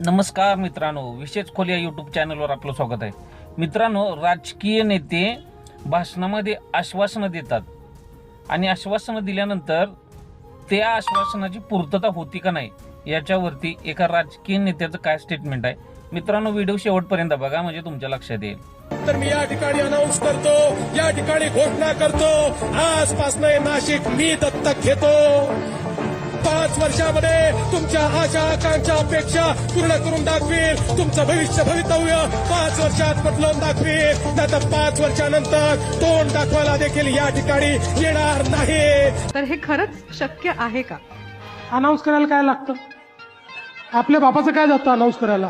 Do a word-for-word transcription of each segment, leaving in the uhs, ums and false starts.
नमस्कार मित्रांनो, विशेष खोली या यूट्यूब चॅनलवर आपलं स्वागत आहे. मित्रांनो, राजकीय नेते भाषणामध्ये आश्वासनं देतात आणि आश्वासनं दिल्यानंतर त्या आश्वासनाची पूर्तता होती का नाही याच्यावरती एका राजकीय नेत्याचं काय स्टेटमेंट आहे. मित्रांनो, व्हिडिओ शेवटपर्यंत बघा म्हणजे तुमच्या लक्षात येईल. तर मी या ठिकाणी अनाऊन्स करतो, या ठिकाणी घोषणा करतो, आजपासून नाशिक मी दत्तक घेतो. पाच वर्षामध्ये तुमच्या आशा आकांक्षा अपेक्षा पूर्ण करून दाखवेल. तुमचं भविष्य भवितव्य पाच वर्षात बदलून दाखवेल. नाहीतर पाच वर्षानंतर तोंड दाखवायला देखील या ठिकाणी येणार नाही. तर हे खरंच शक्य आहे का? अनाऊन्स करायला काय लागतं? आपल्या बापाचं काय जातं अनाऊन्स करायला?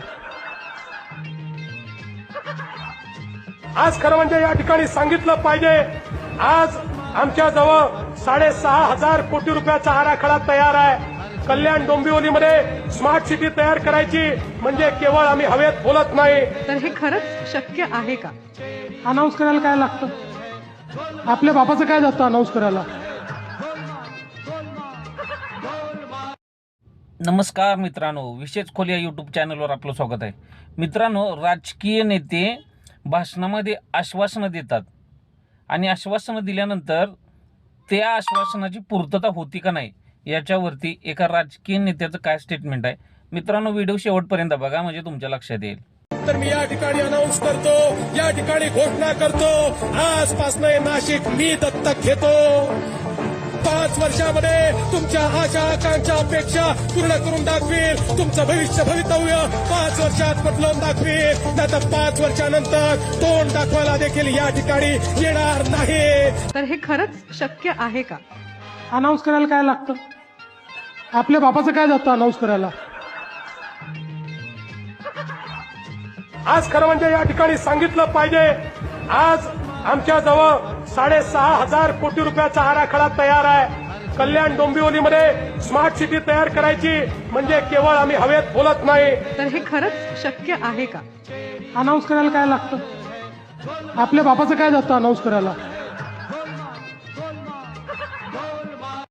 आज खरं म्हणजे या ठिकाणी सांगितलं पाहिजे, आज आमच्या जवळ साडेसहा हजार कोटी रुपयाचा आराखडा तयार आहे. कल्याण डोंबिवलीमध्ये स्मार्ट सिटी तयार करायची म्हणजे केवळ आम्ही हवेत बोलत नाही. तर हे खरंच शक्य आहे का? अनाऊन्स करायला काय लागतं? आपल्या बापाचं काय जातं अनाऊन्स करायला? नमस्कार मित्रांनो, विशेष खोली या यूट्यूब चॅनलवर आपलं स्वागत आहे. मित्रांनो, राजकीय नेते भाषणामध्ये आश्वासनं देतात आणि आश्वासनं दिल्यानंतर त्या आश्वासनाची पूर्तता होती का नाही याच्यावरती एका राजकीय नेत्याचं काय स्टेटमेंट आहे. मित्रांनो, व्हिडिओ शेवटपर्यंत बघा म्हणजे तुमच्या लक्षात येईल. तर मी या ठिकाणी अनाऊन्स करतो, या ठिकाणी घोषणा करतो, आजपासून नाशिक मी दत्तक घेतो. पाच वर्षामध्ये तुमच्या आशा आकांक्षा अपेक्षा पूर्ण करून दाखवेल. तुमचं भविष्य भवितव्य पाच वर्षात बदलून दाखवेल. नाहीतर पाच वर्षानंतर तोंड दाखवायला देखील या ठिकाणी येणार नाही. तर हे खरंच शक्य आहे का? अनाऊन्स करायला काय लागतं? आपल्या बापाचं काय जातं अनाऊन्स करायला? आज खरं म्हणजे या ठिकाणी सांगितलं पाहिजे, आज आमच्या जवळ साडेसहा हजार कोटी रुपयाचा आराखडा तयार आहे. कल्याण डोंबिवलीमध्ये स्मार्ट सिटी तयार करायची म्हणजे केवळ आम्ही हवेत बोलत नाही. तर हे खरंच शक्य आहे का? अनाऊन्स करायला काय लागतं? आपल्या बापाचं काय जातं अनाऊन्स करायला?